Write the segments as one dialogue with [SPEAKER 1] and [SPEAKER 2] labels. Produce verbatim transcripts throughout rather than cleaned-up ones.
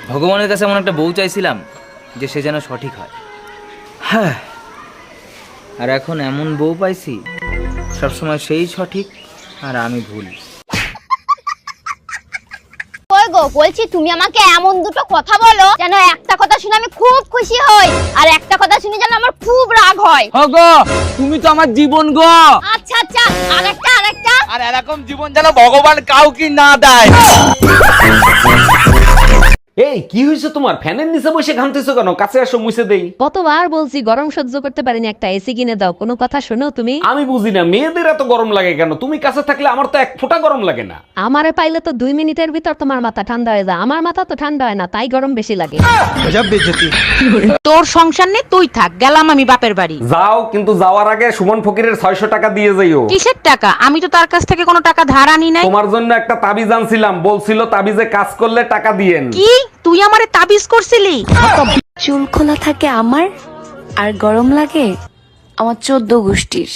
[SPEAKER 1] ভগবানের কাছে এমন একটা বউ চাইছিলাম যে সে যেন সঠিক হয়। হ্যাঁ, আর এখন এমন বউ পাইছি সবসময় সেই সঠিক আর আমি ভুল।
[SPEAKER 2] ওই গো, বলছি তুমি আমাকে এমন দুটো কথা বলো যেন একটা কথা শুনে আমি খুব খুশি হই আর একটা কথা শুনে যেন আমার খুব রাগ হয়।
[SPEAKER 1] গো, তুমি তো আমার জীবন গো।
[SPEAKER 2] আচ্ছা আচ্ছা, আরেকটা আরেকটা।
[SPEAKER 1] আর এরকম জীবন যেন ভগবান কাউকে না দেয়।
[SPEAKER 3] এই কি হয়েছে তোমার? ফ্যানের নিচে বসে ঘামতেছো কেন? কাছে আসো, মুছে দেই।
[SPEAKER 4] কতবার বলছি গরম সহ্য করতে পারিনি, একটা এসি কিনে দাও, কোনো কথা শোনো তুমি?
[SPEAKER 3] আমি বুঝি না মেয়েদের এত গরম লাগে কেন? তুমি কাছে থাকলে আমার তো এক ফোঁটা গরম লাগে না।
[SPEAKER 4] আমারে পাইলে তো দুই মিনিটের ভিতর তোমার মাথা ঠান্ডা হয়ে যায়, আমার মাথা তো ঠান্ডা হয় না, তাই গরম বেশি লাগে।
[SPEAKER 5] তোর সংসার নেই, তুই থাক, গেলাম আমি বাপের বাড়ি।
[SPEAKER 3] যাও, কিন্তু যাওয়ার আগে সুমন ফকিরের ছয়শো টাকা দিয়ে যাইও।
[SPEAKER 5] কিসের টাকা? আমি তো তার কাছ থেকে কোনো টাকা ধার আনি নাই।
[SPEAKER 3] তোমার জন্য একটা তাবিজ আনছিলাম, বলছিল তাবিজে কাজ করলে টাকা দিয়েন।
[SPEAKER 5] কি তুই আমারে তাবিজ করছিলি?
[SPEAKER 6] চুল খোলা থাকে আমার আর গরম লাগে আমার চোদ্দ গোষ্ঠীর।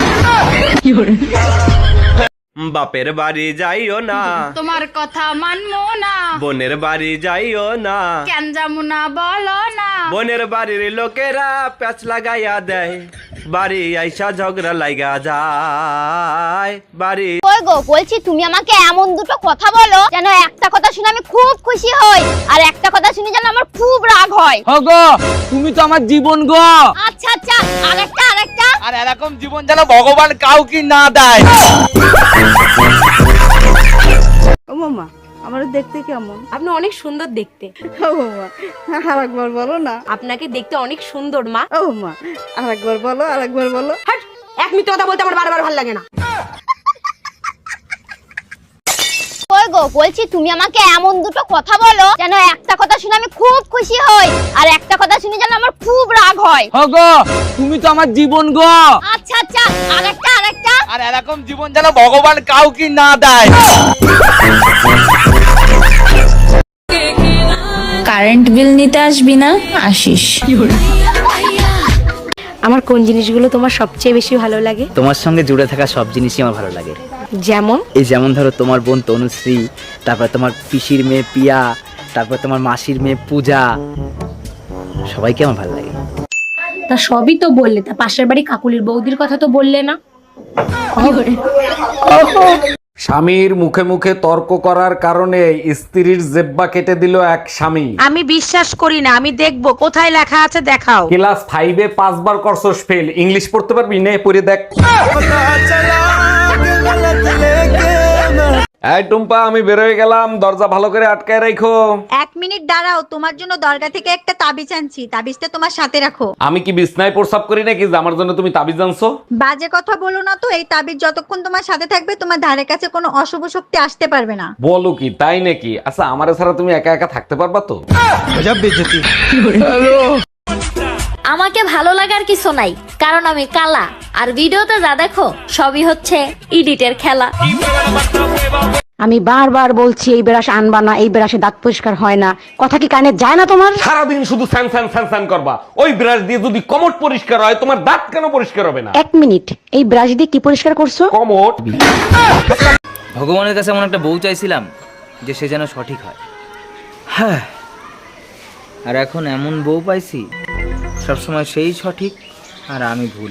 [SPEAKER 7] বাপের বাড়ি যাইও না,
[SPEAKER 8] তোমার কথা মানবো না,
[SPEAKER 7] বোনের বাড়ি যাইও না,
[SPEAKER 8] কেন যাবো না বলো না।
[SPEAKER 7] বোনের বাড়ির লোকেরা প্যাচ লাগাইয়া দেয়, বাড়ি আইসা ঝগড়া লাগা যায় বাড়ি।
[SPEAKER 2] ওই গো, বলছি তুমি আমাকে এমন দুটো কথা বলো যেন একটা কথা শুনে আমি খুব খুশি হই আর একটা কথা শুনে যেন আমার খুব রাগ হয়।
[SPEAKER 1] গো, তুমি তো আমার জীবন গো।
[SPEAKER 2] আচ্ছা আচ্ছা, আরেকটা আরেকটা।
[SPEAKER 1] আর এরকম জীবন যেন ভগবান কাউকে না দেয়।
[SPEAKER 9] ও মামা, আমার দেখতে কেমন?
[SPEAKER 10] আপনি অনেক সুন্দর দেখতে।
[SPEAKER 9] ও মামা, আরেকবার বলো না।
[SPEAKER 10] আপনাকে দেখতে অনেক সুন্দর মা।
[SPEAKER 9] ও মা, আরেকবার বলো, আরেকবার বলো।
[SPEAKER 10] হাট, এক মিনিট কথা বলতে আমার বারবার ভালো লাগে না।
[SPEAKER 2] ওই গো, বলছি তুমি আমাকে এমন দুটো কথা বলো যেন একটা কথা শুনে আমি খুব খুশি হই আর একটা কথা শুনে যেন আমার খুব রাগ হয়।
[SPEAKER 1] গো, তুমি তো আমার জীবন গো।
[SPEAKER 2] আচ্ছা আচ্ছা, আরেকটা আরেকটা।
[SPEAKER 1] আর এরকম জীবন যেন ভগবান কাউকে না দেয়।
[SPEAKER 6] কারেন্ট বিল নিতে আসবি না? আসিস।
[SPEAKER 10] আমার কোন জিনিসগুলো তোমার সবচেয়ে বেশি ভালো লাগে?
[SPEAKER 1] তোমার সঙ্গে জুড়ে থাকা সব জিনিসই আমার ভালো লাগে।
[SPEAKER 10] যেমন?
[SPEAKER 1] এই যেমন ধরো তোমার বোন তনুশ্রী, তারপর তোমার পিসির মেয়ে পিয়া, তারপর তোমার মাসির মেয়ে পূজা, সবাইকে আমার ভালো লাগে।
[SPEAKER 10] তা সবই তো বললে, তা পাশের বাড়ি কাকুলির বৌদির কথা তো বললে না।
[SPEAKER 3] স্বামীর মুখে মুখে তর্ক করার কারণে স্ত্রীর জেব্বা কেটে দিল এক স্বামী।
[SPEAKER 5] আমি বিশ্বাস করি না, আমি দেখবো কোথায় লেখা আছে, দেখাও।
[SPEAKER 3] ক্লাস ফাইভে পাঁচবার করছস ফেল, ইংলিশ পড়তে পারবি? নে পড়ে দেখ। এই টুম্পা, আমি বের হয়ে গেলাম, দরজা ভালো করে আটকায় রাখো।
[SPEAKER 8] এক মিনিট দাঁড়াও, তোমার জন্য দরগা থেকে একটা তাবিজ আনছি, তাবিজটা তোমার সাথে রাখো।
[SPEAKER 3] আমি কি বিছনায় প্রসাব করি নাকি যে আমার জন্য তুমি তাবিজ আনছো?
[SPEAKER 8] বাজে কথা বলো না তো, এই তাবিজ যতক্ষণ তোমার সাথে থাকবে তোমার ধারে কাছে কোনো অশুভ শক্তি আসতে পারবে না।
[SPEAKER 3] বলো কি, তাই নাকি? আচ্ছা, আমার ছাড়া তুমি একা একা থাকতে পারবা তো?
[SPEAKER 2] আমাকে ভালো লাগার কিছু নাই, কারণ আমি কালা আর ভিডিওতে যা দেখো সবই হচ্ছে এডিটের খেলা।
[SPEAKER 5] আমি বারবার বলছি এই ব্রাশ আনবা না, এই ব্রাশে দাঁত পরিষ্কার হয় না, কথা কি কানে যায় না তোমার?
[SPEAKER 3] সারাদিন শুধু স্যান স্যান স্যান স্যান করবা। ওই ব্রাশ দিয়ে যদি কমট পরিষ্কার হয়, তোমার দাঁত কেন পরিষ্কার হবে না?
[SPEAKER 5] এক মিনিট, এই ব্রাশ দিয়ে কি পরিষ্কার করছো?
[SPEAKER 3] কমট।
[SPEAKER 1] ভগবানের কাছে এমন একটা বউ চাইছিলাম যে সে যেন সঠিক হয়। হ্যাঁ, আর এখন এমন বউ পাইছি সবসময় সেই সঠিক আর আমি ভুল।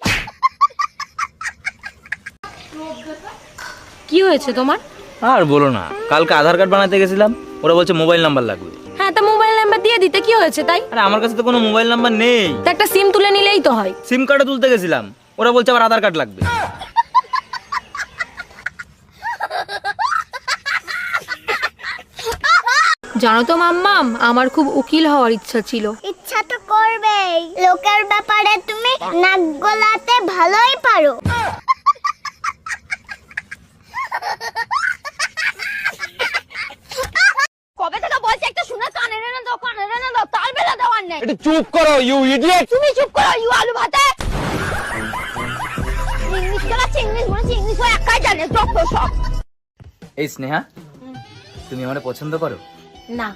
[SPEAKER 10] কি হয়েছে তোমার?
[SPEAKER 1] আর বলো না, কালকে আধার কার্ড বানাতে গেছিলাম, ওরা বলছে মোবাইল নাম্বার লাগবে।
[SPEAKER 10] হ্যাঁ, তা মোবাইল নাম্বার দিয়ে দিতে কি হয়েছে তাই?
[SPEAKER 1] আরে আমার কাছে তো কোনো মোবাইল নাম্বার নেই।
[SPEAKER 10] তা একটা সিম তুলে নিলেই তো হয়।
[SPEAKER 1] সিম কার্ডও তুলতে গেছিলাম, ওরা বলছে আবার আধার কার্ড লাগবে।
[SPEAKER 10] জানো তো মাম্মাম, আমার খুব উকিল হওয়ার ইচ্ছা ছিল।
[SPEAKER 2] ইচ্ছা তো করবেই, লোকের ব্যাপারে তুমি নাক গলাতে ভালোই পারো। কবে থেকে বলছি একটা শুনে কানে রেনে দাও, কানে রেনে দাও, তাল বেলা দেওয়ার নেই।
[SPEAKER 3] একটু চুপ করো, ইউ ইডিয়েট।
[SPEAKER 2] তুমি চুপ করো, ইউ আলু ভাতে। ইংলিশ খেলাচ্ছে, ইংলিশ বলেছি, ইংলিশ হয় একাই জানে, যত সব।
[SPEAKER 1] এই স্নেহা, তুমি আমার পছন্দ করো?
[SPEAKER 10] না,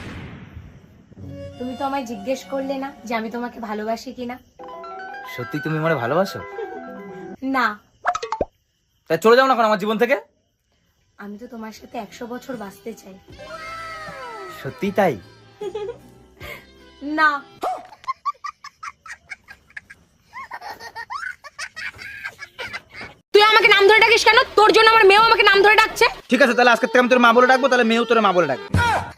[SPEAKER 10] তুমি তো আমায় জিজ্ঞেস করলে না যে আমি তোমাকে ভালোবাসি কিনা।
[SPEAKER 1] সত্যি তুমি আমার ভালোবাসো?
[SPEAKER 10] না।
[SPEAKER 1] তাই চলে যাও না এখন আমার জীবন থেকে।
[SPEAKER 10] আমি তো তোমার সাথে একশো বছর বাঁচতে চাই।
[SPEAKER 1] সত্যি তাই?
[SPEAKER 10] না। তুই আমাকে নাম ধরে ডাকিস কেন? তোর জন্য আমার মেয়েও আমাকে নাম ধরে ডাকছে।
[SPEAKER 1] ঠিক আছে, তাহলে আজকে থেকে আমি তোর মা বলে ডাকবো, তাহলে মেয়েও তোর মা বলে ডাকবে।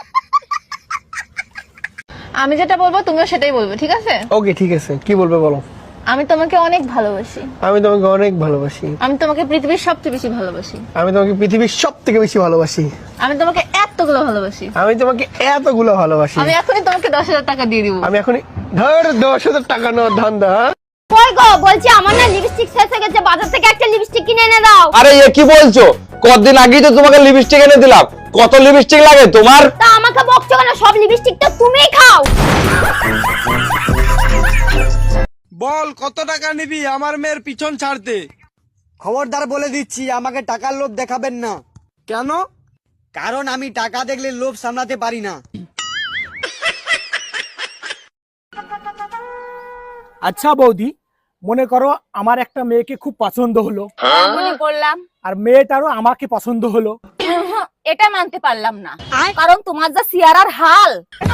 [SPEAKER 2] আমি যেটা বলবো তুমিও সেটাই বলবে, ঠিক আছে?
[SPEAKER 7] ওকে ঠিক আছে, কি বলবে বলো।
[SPEAKER 2] আমি তোমাকে অনেক ভালোবাসি।
[SPEAKER 7] আমি তোমাকে অনেক ভালোবাসি।
[SPEAKER 2] আমি তোমাকে পৃথিবীর সবচেয়ে বেশি ভালোবাসি।
[SPEAKER 7] আমি তোমাকে পৃথিবীর সব থেকে বেশি ভালোবাসি।
[SPEAKER 2] আমি তোমাকে এতগুলো ভালোবাসি।
[SPEAKER 7] আমি তোমাকে এতগুলো ভালোবাসি।
[SPEAKER 2] আমি এখনই তোমাকে দশ হাজার টাকা দিয়ে দিব।
[SPEAKER 7] আমি এখনই ধর দশ হাজার টাকা নো ধান্দা।
[SPEAKER 2] কই গো, বলছি আমার না লিপস্টিক শেষ হয়ে গেছে, বাজার থেকে একটা লিপস্টিক কিনে এনে দাও।
[SPEAKER 3] আরে এ কি বলছো? কতদিন আগেই তো তোমাকে লিপস্টিক এনে দিলাম। কত লিপস্টিক লাগে তোমার?
[SPEAKER 2] তা আমাকে বকছো কেন? সব লিপস্টিক তো তুমিই খাও।
[SPEAKER 7] বল কত টাকা নিবি আমার মেয়ের পিছন ছাড়তে?
[SPEAKER 11] খবরদার বলে দিচ্ছি, আমাকে টাকার লোভ দেখাবেন না।
[SPEAKER 7] কেন?
[SPEAKER 11] কারণ আমি টাকা দেখলে লোভ সামলাতে পারি না।
[SPEAKER 7] আচ্ছা বৌদি, মনে করো আমার একটা মেয়েকে খুব পছন্দ হলো,
[SPEAKER 2] মনে করলাম।
[SPEAKER 7] আর মেয়েটারও আমাকে পছন্দ হলো।
[SPEAKER 2] এটা মানতে পারলাম না, কারণ তোমার যা সিয়ারার হাল।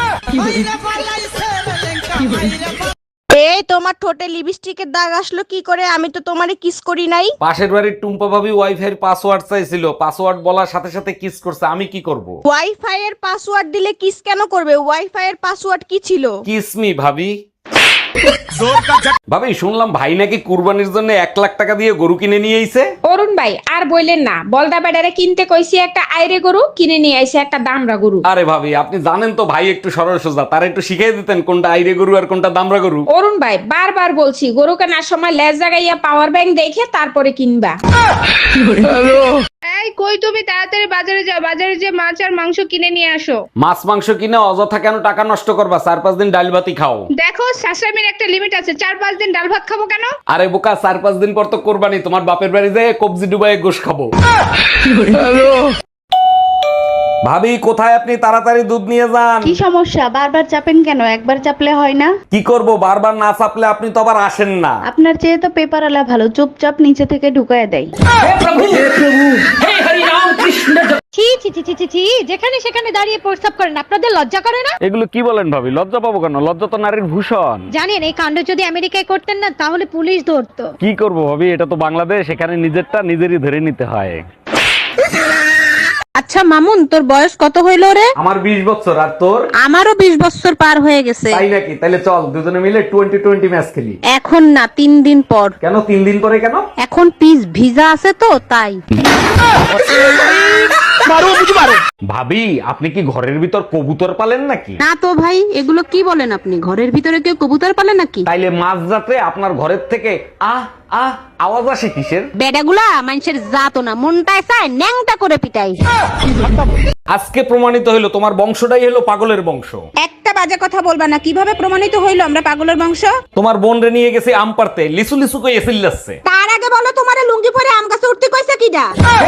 [SPEAKER 8] এই তোমার ঠোঁটে লিপস্টিকের দাগ আসলো কি করে? আমি তো তোমারে কিস করি নাই।
[SPEAKER 3] পাশের বাড়ির টুম্পা ভাবি ওয়াইফাই এর পাসওয়ার্ড চাইছিল, পাসওয়ার্ড বলার সাথে সাথে কিস করছে। আমি কি করব?
[SPEAKER 8] ওয়াইফাই এর পাসওয়ার্ড দিলে কিস কেন করবে? ওয়াইফাই এর পাসওয়ার্ড কি ছিল?
[SPEAKER 3] কিস মি ভাবি। ভাবি শুনলাম ভাই নাকি কুরবানির জন্য এক লাখ টাকা দিয়ে গরু কিনে নিয়ে আইছে।
[SPEAKER 10] অরুণ ভাই আর বললেন না, বলদা বেডারে কিনতে কইছি একটা আইরে গরু, কিনে নিয়ে আইছে একটা দামরা গরু।
[SPEAKER 3] আরে ভাবি আপনি জানেন তো ভাই একটু সরল সোজা, তার একটু শিখিয়ে দিতেন কোনটা আইরে গরু আর কোনটা দামরা গরু।
[SPEAKER 10] অরুণ ভাই বারবার বলছি, গরু কেনার সময় লেজ জাগাইয়া পাওয়ার ব্যাংক দেখে তারপরে কিনবা। এই কই তুমি? তাড়াতাড়ি বাজারে যাও, বাজারে যে মাছ আর মাংস কিনে নিয়ে আসো।
[SPEAKER 3] মাছ মাংস কিনে অযথা কেন টাকা নষ্ট করবা? চার পাঁচ দিন ডাল ভাতই খাও।
[SPEAKER 10] দেখো শাশুড়ির একটা লিমিট আছে, চার পাঁচ দিন ডাল ভাত খাবো কেন?
[SPEAKER 3] আরে বোকা, চার পাঁচ দিন পর তো কোরবানি, তোমার বাপের বাড়ি যেয়ে কবজি ডুবাই গোশ খাবো। ভাবি কোথায় আপনি? তাড়াতাড়ি দুধ নিয়ে যান।
[SPEAKER 9] কি সমস্যা? বারবার চাপেন কেন? একবার চাপলে হয় না?
[SPEAKER 3] কি করব, বারবার না চাপলে আপনি তো আবার আসেন না।
[SPEAKER 9] আপনার চেয়ে তো পেপার আলা ভালো, চুপচাপ নিচে থেকে ঢুকায় দেয়।
[SPEAKER 4] ছি ছি ছি ছি ছি ছি, যেখানে সেখানে দাঁড়িয়ে প্রস্তাব করেন, আপনাদের লজ্জা করে না?
[SPEAKER 3] এগুলো কি বলেন ভাবি? লজ্জা পাবো কেন? লজ্জা তো নারীর ভূষণ।
[SPEAKER 4] জানেন এই কাণ্ড যদি আমেরিকায় করতেন না, তাহলে পুলিশ ধরতো।
[SPEAKER 3] কি করব ভাবি, এটা তো বাংলাদেশ, এখানে নিজেরটা নিজেরই ধরে নিতে হয়।
[SPEAKER 8] আচ্ছা মামুন, তোর বয়স কত হইল রে?
[SPEAKER 3] আমার বিশ বছর, আর তোর?
[SPEAKER 8] আমারও বিশ বছর পার হয়ে গেছে।
[SPEAKER 3] তাই নাকি? তাহলে চল দুজনে মিলে টোয়েন্টি টোয়েন্টি ম্যাচ খেলি।
[SPEAKER 8] এখন না, তিন দিন পর।
[SPEAKER 3] কেন তিন দিন পরে কেন?
[SPEAKER 8] এখন পিস ভিজা আছে তো তাই।
[SPEAKER 3] ভাবি আপনি কি ঘরের ভিতর কবুতর পালেন নাকি?
[SPEAKER 5] না তো ভাই, এগুলো কি বলেন আপনি? ঘরের ভিতরে কেউ কবুতর পালে নাকি?
[SPEAKER 3] তাইলে মাঝ রাতে আপনার ঘরের থেকে আহ আহ আওয়াজ আসে কিসের?
[SPEAKER 5] বেডাগুলা মানুষের জাতো না, মনটায় চায় ন্যাংটা করে পিটাই।
[SPEAKER 3] আজকে প্রমাণিত হইলো তোমার বংশটাই হলো পাগলের বংশ।
[SPEAKER 8] একটা বাজে কথা বলবা না। কিভাবে প্রমাণিত হইলো আমরা পাগলের বংশ?
[SPEAKER 3] তোমার বোন রে নিয়ে গেছে আম পারতে, লিসু লিসু কই এসিল যাচ্ছে।
[SPEAKER 8] তার আগে বলো, তোমারে লুঙ্গি পরে আম গাছে উঠতে কইছে কিডা?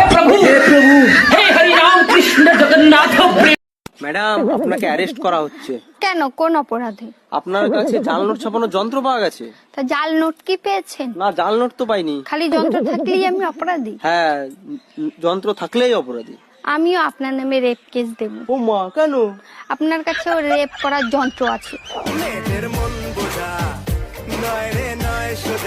[SPEAKER 11] ম্যাডাম, আপনাকে অ্যারেস্ট করা হচ্ছে।
[SPEAKER 2] কেন, কোন অপরাধে?
[SPEAKER 11] আপনার কাছে জাল নোট ছাপানোর যন্ত্র পাওয়া গেছে।
[SPEAKER 2] তা জাল নোট কি পেয়েছেন?
[SPEAKER 11] না, জাল নোট তো পাইনি।
[SPEAKER 2] খালি যন্ত্র থাকলেই আমি অপরাধী?
[SPEAKER 11] হ্যাঁ, যন্ত্র থাকলেই অপরাধী।
[SPEAKER 2] আমিও আপনার নামে রেপ কেস দেব।
[SPEAKER 11] ও মা, কেন?
[SPEAKER 2] আপনার কাছেও রেপ করার যন্ত্র আছে।